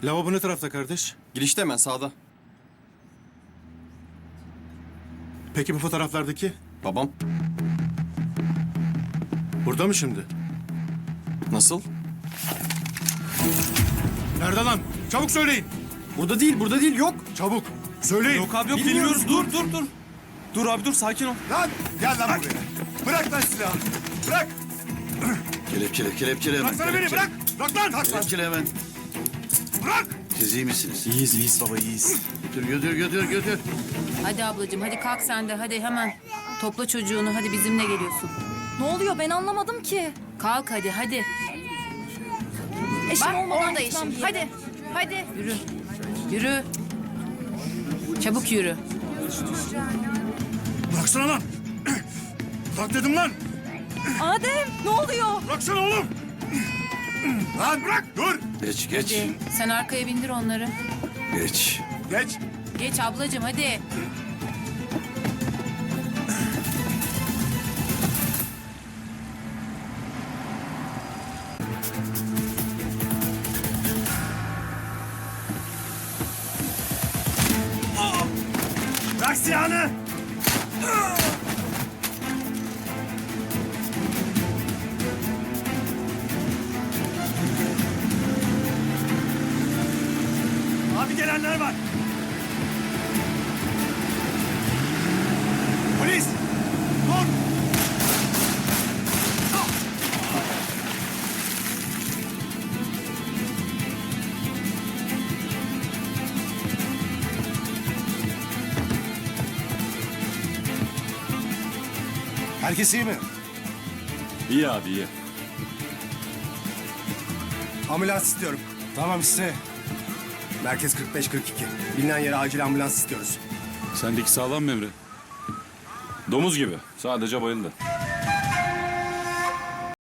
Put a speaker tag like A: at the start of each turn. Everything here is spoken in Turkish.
A: Lavabo ne tarafta kardeş?
B: Girişte hemen sağda.
A: Peki bu fotoğraflardaki?
B: Babam.
A: Burada mı şimdi?
B: Nasıl?
A: Nerede lan? Çabuk söyleyin.
B: Burada değil, yok.
A: Çabuk. Söyleyin.
C: Yok abi yok
B: Bilmiyoruz,
C: bilmiyoruz. Dur. Dur abi dur sakin ol.
D: Lan gel lan buraya. Bırak lan silahı. Bırak.
E: Kelepçele hemen.
D: Bıraksana beni bırak. Bırak lan. Kalk lan.
E: Kelepçele hemen.
D: Bırak.
E: Siz iyi misiniz?
C: İyiyiz baba iyiyiz.
E: Götür.
F: Hadi ablacığım hadi kalk sen de hadi hemen. Topla çocuğunu hadi bizimle geliyorsun.
G: Ne oluyor ben anlamadım ki.
F: Kalk hadi.
G: Eşim
F: Bak
G: olmadan
F: orada
G: gitmem
F: eşim.
G: bir yere.
F: Hadi. Yürü. Çabuk yürü.
D: Bıraksana lan. Bırak dedim lan.
G: Adem ne oluyor?
D: Bıraksana oğlum. Lan bırak. Dur.
E: Geç.
F: Hadi. Sen arkaya bindir onları.
E: Geç.
D: Geç.
F: Geç ablacığım hadi.
D: Bırak silahını. Abi gelenler var. Polis. Dur. Herkes iyi mi?
C: İyi abi iyi.
D: Ambulans istiyorum. Tamam iste. Merkez 45-42. Bilinen yere acil ambulans istiyoruz.
C: Sendeki sağlam mı Emre? Domuz gibi. Sadece bayıldı.